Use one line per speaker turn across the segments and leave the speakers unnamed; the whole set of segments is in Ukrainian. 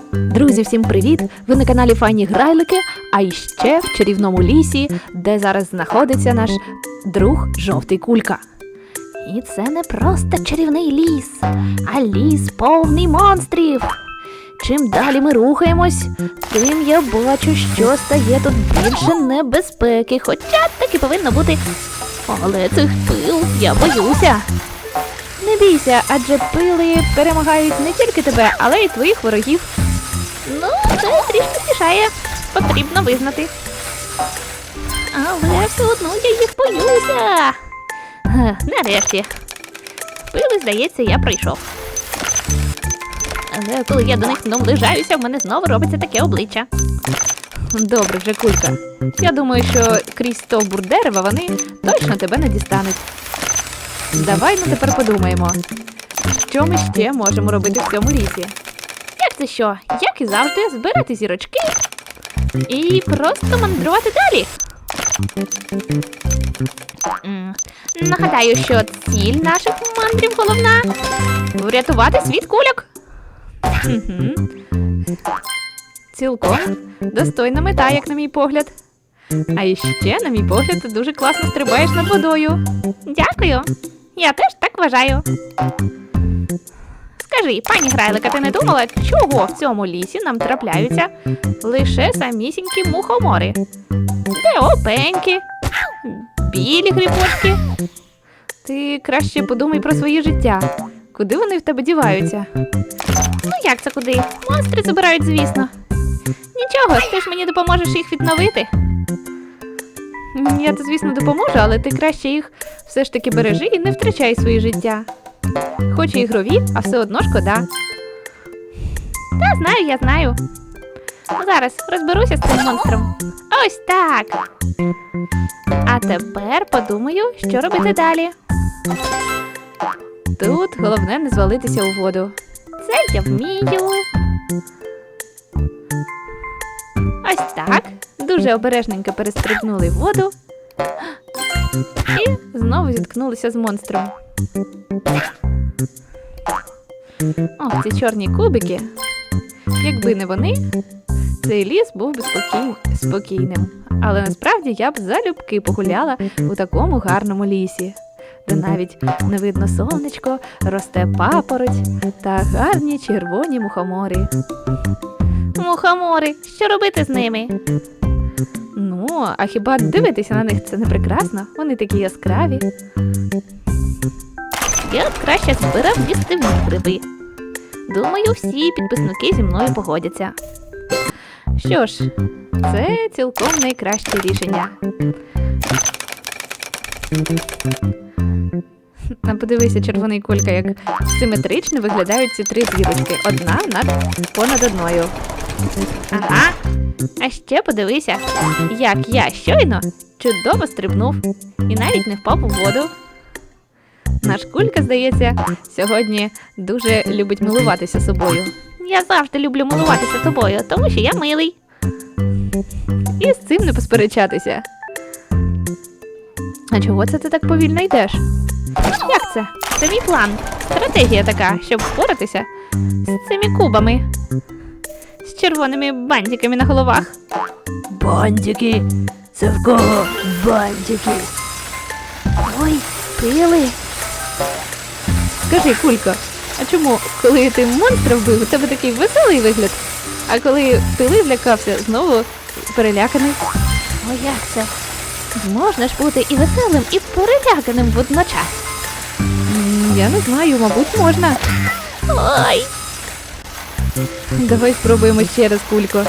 Друзі, всім привіт! Ви на каналі Файні Грайлики, а іще в чарівному лісі, де зараз знаходиться наш друг Жовтий Кулька. І це не просто чарівний ліс, а ліс повний монстрів. Чим далі ми рухаємось, тим я бачу, що стає тут більше небезпеки, хоча так і повинно бути. Але цих пил я боюся. Не бійся, адже пили перемагають не тільки тебе, але й твоїх ворогів. Ну, це трішки мішає, потрібно визнати. Але все одно я їх боюся. Нарешті. Пили, здається, я пройшов. Але коли я до них наближаюся, в мене знову робиться таке обличчя. Добре вже, Кулька. Я думаю, що крізь стовбур дерева вони точно тебе не дістануть. Давай ми тепер подумаємо, що ми ще можемо робити в цьому лісі. Як це що? Як і завжди, збирати зірочки і просто мандрувати далі. Нагадаю, що ціль наших мандрів головна – врятувати світ кульок. Цілком достойна мета, як на мій погляд. А іще, на мій погляд, ти дуже класно стрибаєш над водою. Дякую. Я теж так вважаю. Скажи, пані Грайлика, ти не думала, чого в цьому лісі нам трапляються лише самісінькі мухомори? Де опеньки, білі грибочки? Ти краще подумай про своє життя. Куди вони в тебе діваються? Ну як це куди? Монстри забирають, звісно. Нічого, ти ж мені допоможеш їх відновити. Я, звісно, допоможу, але ти краще їх все ж таки бережи і не втрачай своє життя. Хоч і ігрові, а все одно шкода. Та, знаю, я знаю. Зараз розберуся з цим монстром. Ось так. А тепер подумаю, що робити далі. Тут головне не звалитися у воду. Це я вмію. Ось так. Дуже обережненько перестрибнули в воду. І знову зіткнулися з монстром. Ох, ці чорні кубики. Якби не вони, цей ліс був би спокійним. Але насправді я б залюбки погуляла у такому гарному лісі, де навіть не видно сонечко, росте папороть та гарні червоні мухомори. Мухомори, що робити з ними? Ну, а хіба дивитися на них це не прекрасно? Вони такі яскраві. Я б краще збирав їстивні гриби. Думаю, всі підписники зі мною погодяться. Що ж, це цілком найкраще рішення. Подивися, червоний Кулька, як симетрично виглядають ці три зірочки. Одна понад одною. Ага. А ще подивися, як я щойно чудово стрибнув і навіть не впав у воду. Наш Кулька, здається, сьогодні дуже любить милуватися собою. Я завжди люблю милуватися тобою, тому що я милий. І з цим не посперечатися. А чого це ти так повільно йдеш? Як це? Це мій план. Стратегія така, щоб впоратися з цими кубами. З червоними бантиками на головах.
Бантики? Це в кого бантики?
Ой, пили. Скажи, Кулько, а чому, коли ти монстра вбив, у тебе такий веселий вигляд, а коли пили влякався, знову переляканий? О, як це? Можна ж бути і веселим, і переляканим водночас? Я не знаю, мабуть, можна. Ой! Давай спробуємо ще раз, Кулько.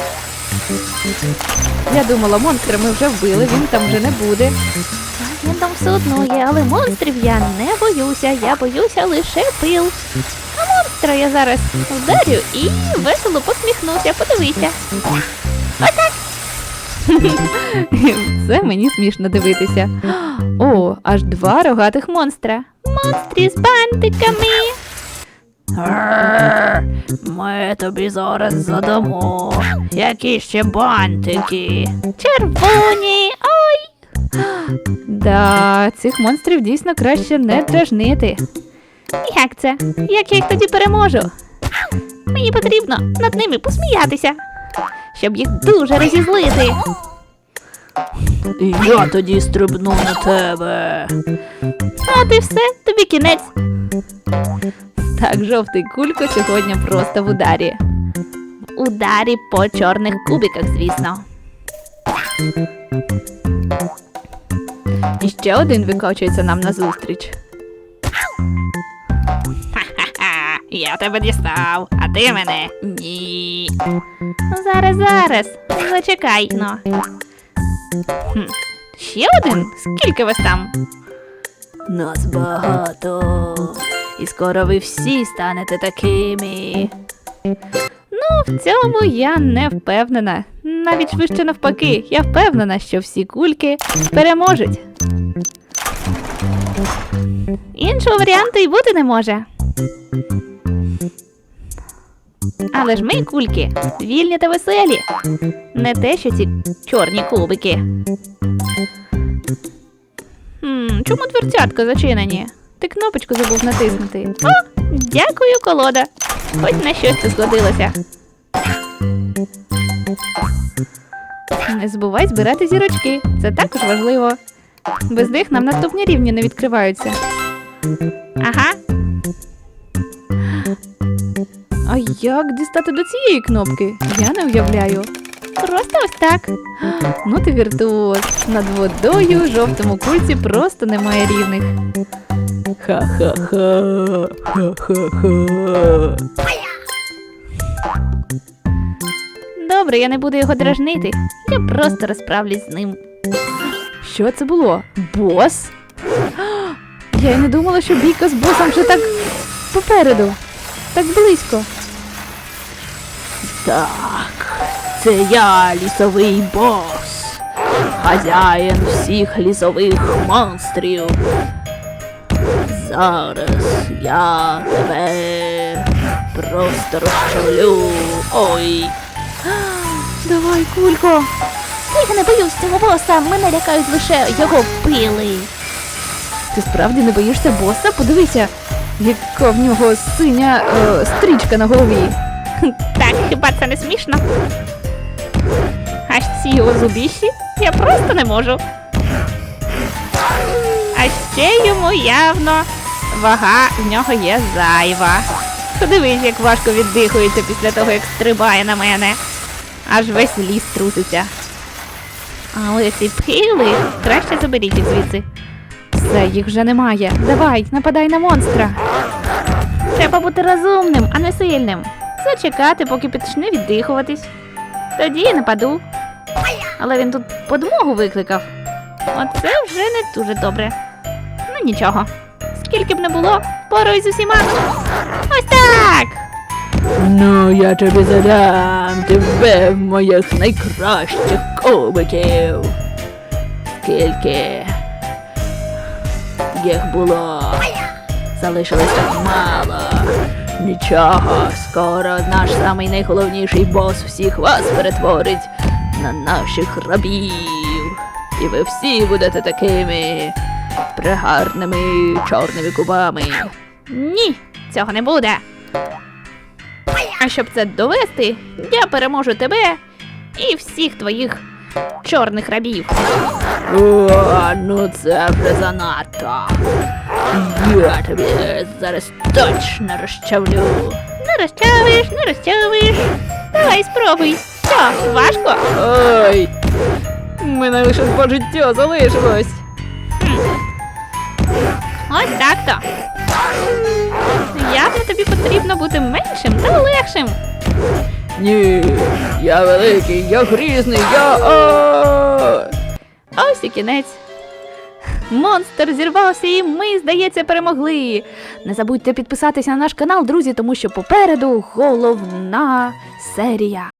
Я думала, монстра ми вже вбили, він там вже не буде. Він там все одно є, але монстрів я не боюся, я боюся лише пил. А монстра я зараз вдарю і весело посміхнуся, подивися. Отак. Це мені смішно дивитися. О, аж два рогатих монстра. Монстрі з бантиками.
Ми тобі зараз задамо. Які ще бантики?
Червоні, ой! Да, цих монстрів дійсно краще не дражнити. Як це? Як я їх тоді переможу? Мені потрібно над ними посміятися, щоб їх дуже розізлити.
І я тоді стрибну на тебе.
От і все, тобі кінець. Так, жовтий кулько сьогодні просто в ударі. В ударі по чорних кубиках, звісно. І ще один викочується нам назустріч.
Ха-ха, я тебе дістав, а ти мене ні.
Зараз. Зачекай, ну. Ще один? Скільки вас там?
Нас багато. І скоро ви всі станете такими.
Ну, в цьому я не впевнена. Навіть швидше навпаки, я впевнена, що всі кульки переможуть. Іншого варіанту й бути не може. Але ж ми, кульки, вільні та веселі. Не те, що ці чорні кубики. Чому дверцятка зачинені? Ти кнопочку забув натиснути. О, дякую, колода. Хоч на щось ти згодилося. Не забувай збирати зірочки. Це також важливо. Без них нам наступні рівні не відкриваються. Ага. А як дістати до цієї кнопки? Я не уявляю. Просто ось так. Ну ти віртуоз. Над водою жовтому кульці просто немає рівних.
Ха-ха-ха, ха-ха-ха.
Добре, я не буду його дражнити. Я просто розправлюсь з ним. Що це було? Бос? Я й не думала, що бійка з босом вже так попереду. Так близько.
Так, це я, лісовий бос. Хазяїн всіх лісових монстрів. Зараз я тебе просто розчавлю. Ой.
Давай, кулько. Я не боюсь цього боса, мене лякають лише його пили. Ти справді не боїшся боса? Подивися, яка в нього синя стрічка на голові. Так, хіба це не смішно? Аж ці його зубіші я просто не можу. А ще йому явно вага в нього є зайва. Подивись, як важко віддихується після того, як стрибає на мене. Аж весь ліс труситься. Але ці пили, краще заберіть їх звідси. Все, їх вже немає. Давай, нападай на монстра. Треба бути розумним, а не сильним. Зачекати, поки почне віддихуватись. Тоді я нападу. Але він тут подмогу викликав. Оце вже не дуже добре. Ну нічого. Скільки б не було, поруй з усіма. Ось так!
Ну, я тобі задам тебе моїх найкращих кубиків. Скільки їх було? Залишилось так мало. Нічого, скоро наш самий найголовніший бос всіх вас перетворить на наших рабів. І ви всі будете такими пригарними чорними кубами.
Ні, цього не буде. А щоб це довести, я переможу тебе і всіх твоїх чорних рабів.
О, ну це вже занадто. Я тобі зараз точно розчавлю.
Не розчавиш. Давай спробуй. Що, важко?
Ой, мене лише 2 життя залишилось.
Ось так-то. Явно тобі потрібно бути меншим та легшим.
Ні, я великий, я грізний, я...
Ось і кінець. Монстр зірвався і ми, здається, перемогли. Не забудьте підписатися на наш канал, друзі, тому що попереду головна серія.